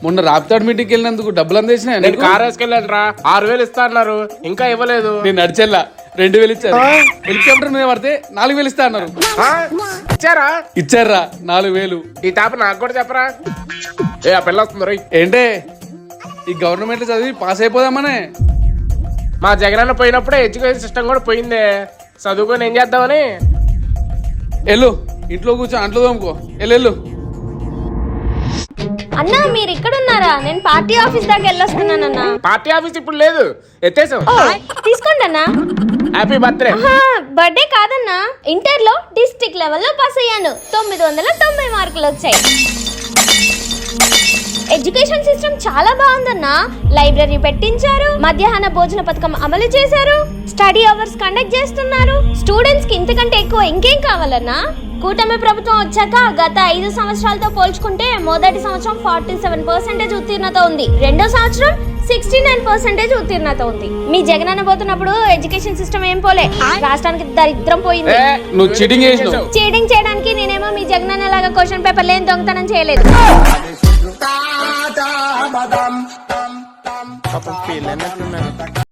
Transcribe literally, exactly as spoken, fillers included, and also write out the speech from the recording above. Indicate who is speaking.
Speaker 1: మొన్న రాప్తాడు మీటింగ్కి వెళ్ళినందుకు డబ్బులు అందేసిన
Speaker 2: నేను కార్ వేసుకెళ్ళాను రా, ఆరు వేలు ఇస్తా అన్నారు, ఇంకా ఇవ్వలేదు.
Speaker 1: నేను నడిచెల్లా రెండు వేలు ఇచ్చారు. హెలికాప్టర్ మీద పడితే నాలుగు వేలు ఇస్తా అన్నారు.
Speaker 2: ఆ? ఇచ్చారా?
Speaker 1: ఇచ్చారా నాలుగు వేలు.
Speaker 2: ఈ తాప నాకు కూడా చెప్పరా. ఏ ఆ పిల్ల వస్తుంది రోయ్.
Speaker 1: ఏంటే ఈ గవర్నమెంట్ చదివి పాస్ అయిపోదామనే.
Speaker 2: మా జగనన్న పోయినప్పుడే ఎడ్యుకేషన్ సిస్టమ్ కూడా పోయిందే, చదువుకొని ఏం చేద్దామని.
Speaker 1: వెళ్ళు ఇంట్లో కూర్చో, అంట్లో తోముకో. వెళ్ళు.
Speaker 3: అన్నా మీరు ఇక్కడ ఉన్నారా? నేను పార్టీ ఆఫీస్ దాకా వెళ్ళొస్తున్నానన్నా.
Speaker 2: పార్టీ ఆఫీస్ ఇప్పుడు లేదు, ఎత్తేసాం.
Speaker 3: తీసుకోండి అన్నా.
Speaker 2: Happy birthday.
Speaker 3: బర్త్డే కాదన్నా, ఇంటర్ లో డిస్ట్రిక్ట్ లెవెల్లో పాస్ అయ్యాను. తొమ్మిది వందల తొంభై మార్కులు వచ్చాయి. ఎడ్యుకేషన్ సిస్టమ్ చాలా బాగుందన్నా. లైబ్రరీ పెట్టించారు, మధ్యాహ్న భోజన పథకం అమలు చేశారు, స్టడీ అవర్స్ కండక్ట్ చేస్తున్నారు. స్టూడెంట్స్ కి ఇంతకంటే ఎక్కువ ఇంకేం కావాలన్నా? కూటమి ప్రభుత్వం వచ్చాక గత ఐదు సంవత్సరాలతో పోల్చుకుంటే మొదటి సంవత్సరం ఫార్టీ సెవెన్ పర్సెంటేజ్ ఉత్తీర్ణత ఉంది, రెండో సంవత్సరం సిక్స్టీ నైన్ పర్సెంటేజ్ ఉత్తీర్ణత ఉంది. మీ జగనన్న పోతున్నప్పుడు ఎడ్యుకేషన్ సిస్టమ్ ఏం పోలే, రాష్ట్రానికి దరిద్రం పోయింది.
Speaker 1: నువ్వు చీటింగ్ చేసినావు.
Speaker 3: చీటింగ్ చేయడానికి నేనేమో మీ జగనన్న లాగా క్వశ్చన్ పేపర్ లేని దొంగతనం చేయలేదు.